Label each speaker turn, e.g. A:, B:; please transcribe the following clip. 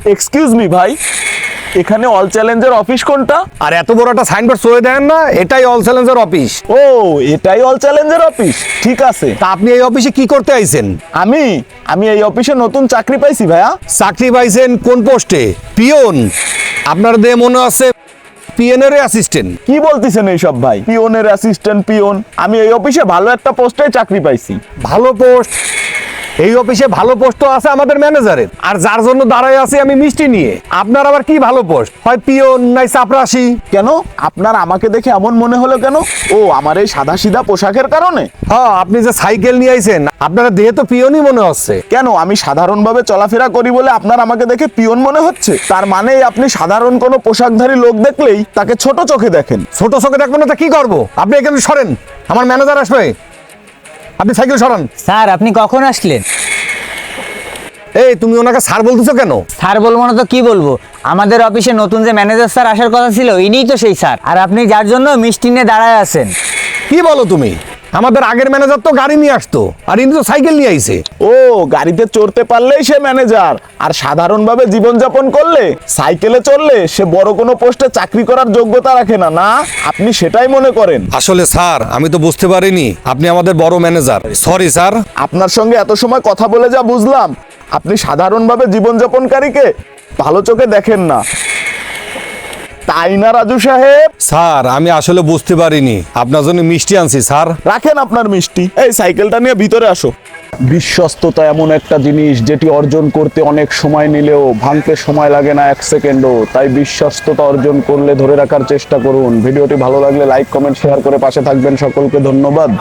A: Excuse me ভাই, এখানে all চ্যালেঞ্জের অফিস কোনটা?
B: আর এত বড় একটা সাইনবোর্ড সয়ে দেন না, এটাই অল চ্যালেঞ্জের অফিস।
A: ও, এটাই অল চ্যালেঞ্জের অফিস, ঠিক আছে।
B: তা আপনি এই অফিসে কি করতে আইছেন?
A: আমি আমি এই অফিসে নতুন চাকরি পাইছি ভাইয়া।
B: চাকরি পাইছেন কোন পোস্টে? পিয়ন? আপনার দিয়ে মনে আছে পিয়নের অ্যাসিস্ট্যান্ট।
A: কি বলতেছেন এইসব ভাই? পিওনের অ্যাসিস্ট্যান্ট পিওন? আমি এই অফিসে ভালো একটা পোস্টে চাকরি পাইছি।
B: ভালো পোস্ট? এই অফিসে ভালো পোস্টও আছে আমাদের ম্যানেজারের, আর যার জন্য দাঁড়ায় আছি আমি মিষ্টি নিয়ে। আপনার আবার কি ভালো পোস্ট? হয় পিয়ন নাই চাপরাশি।
A: কেন আপনার আমাকে দেখে এমন মনে হলো কেন? ও, আমার এই সাদা সিধা পোশাকের কারণে?
B: হ্যাঁ, আপনি যে সাইকেল নিয়ে আইছেন, আপনারা দেহে তো পিয়নই মনে হচ্ছে।
A: কেন আমি সাধারণভাবে চলাফেরা করি বলে আপনার আমাকে দেখে পিওন মনে হচ্ছে? তার মানে আপনি সাধারণ কোনো পোশাকধারী লোক দেখলেই তাকে ছোট চোখে দেখেন।
B: ছোট চোখে দেখবেন না, তা কি করবো? আপনি এখানে সরেন, আমার ম্যানেজার আসবে। আপনি সাইকেল সরান।
C: স্যার আপনি কখন আসলেন?
B: এই তুমি ওনাকে স্যার বলতেছো কেন?
C: স্যার বলবো না তো কি বলবো? আমাদের অফিসে নতুন যে ম্যানেজার স্যার আসার কথা ছিল, ইনিই তো সেই স্যার। আর আপনি যার জন্য মিষ্টি নিয়ে দাঁড়ায় আছেন।
B: কি বলো তুমি? আমাদের আগের ম্যানেজার তো গাড়ি নিয়ে আসতো, আর ইনি তো সাইকেল নিয়ে আইছে।
A: ও, গাড়িতে চড়তে পারলেই সে ম্যানেজার, আর সাধারণভাবে জীবনযাপন করলে, সাইকেলে চললে সে বড় কোনো পোস্টে চাকরি করার যোগ্যতা রাখে না, না? আপনি সেটাই মনে করেন?
B: আসলে স্যার আমি তো বুঝতে পারিনি আপনি আমাদের বড় ম্যানেজার। Sorry sir.
A: আপনার সঙ্গে এত সময় কথা বলে যা বুঝলাম, আপনি সাধারণভাবে জীবনযাপনকারীকে ভালো চোখে দেখেন না, তাই না রাজু সাহেব?
B: স্যার আমি আসলে বুঝতে পারিনি, আপনার জন্য মিষ্টি আনছি স্যার।
A: রাখেন আপনার মিষ্টি, এই সাইকেলটা নিয়ে ভিতরে আসো। বিশ্বস্ততা এমন একটা জিনিস যেটি অর্জন করতে অনেক সময় নিলেও ভাঙতে সময় লাগে না 1 সেকেন্ডও। তাই বিশ্বস্ততা অর্জন করলে ধরে রাখার চেষ্টা করুন। ভিডিওটি ভালো লাগলে লাইক কমেন্ট শেয়ার করে পাশে থাকবেন। সকলকে ধন্যবাদ।